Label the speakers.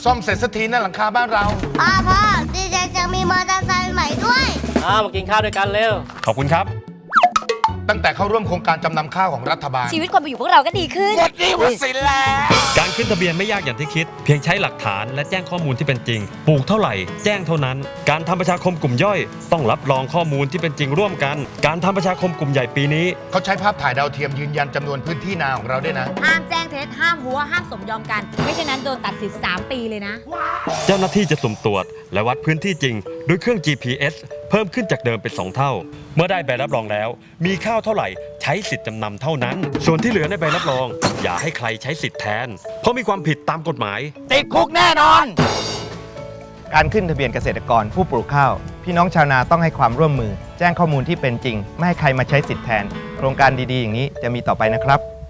Speaker 1: ซ่อมเสร็จสักทีนะหลังคาบ้านเรา
Speaker 2: พ่อดีใจจะมีมอเตอร์ไซค์ใหม่ด้วย
Speaker 3: มากินข้าวด้วยกันเร็ว
Speaker 4: ขอบคุณครับ
Speaker 1: ตั้งแต่เข้าร่วมโครงการจำนำข้าวของรัฐบาล
Speaker 5: ชีวิตความเป็นอยู่พวกเราก็ดีขึ้น
Speaker 1: หมดหนี้หมดสินแล้ว
Speaker 4: การขึ้นทะเบียนไม่ยากอย่างที่คิด เพียงใช้หลักฐานและแจ้งข้อมูลที่เป็นจริง ปลูกเท่าไหร่แจ้งเท่านั้น การทำประชาคมกลุ่มย่อย ต้องรับรองข้อมูลที่เป็นจริงร่วมกัน การทำประชาคมกลุ่มใหญ่ปีนี้
Speaker 1: เขาใช้ภาพถ่ายดาวเทียมยืนยันจำนวนพื้นที่นาของเราด้วยนะ
Speaker 5: ห้ามแจ้งเท็จห้ามหัวห้ามสมยอมกัน ไม่เช่นนั้นโดนตัดสิทธิ์3 ปีเลยนะ
Speaker 4: เจ้าหน้าที่จะสุ่มตรวจและวัดพื้นที่จริงด้วยเครื่อง GPS เพิ่มขึ้นจากเดิมเป็น 2 เท่า เมื่อได้ใบรับรองแล้ว มีข้าวเท่าไหร่ใช้สิทธิ์จำนำเท่านั้น ส่วนที่เหลือในใบรับรอง อย่าให้ใครใช้สิทธิ์แทน เพราะมีความผิดตามกฎหมาย
Speaker 1: ติดคุกแน่นอน
Speaker 6: การขึ้นทะเบียนเกษตรกรผู้ปลูกข้าว พี่น้องชาวนาต้องให้ความร่วมมือ แจ้งข้อมูลที่เป็นจริง ไม่ให้ใครมาใช้สิทธิ์แทน โครงการดีๆอย่างนี้จะมีต่อไปนะครับ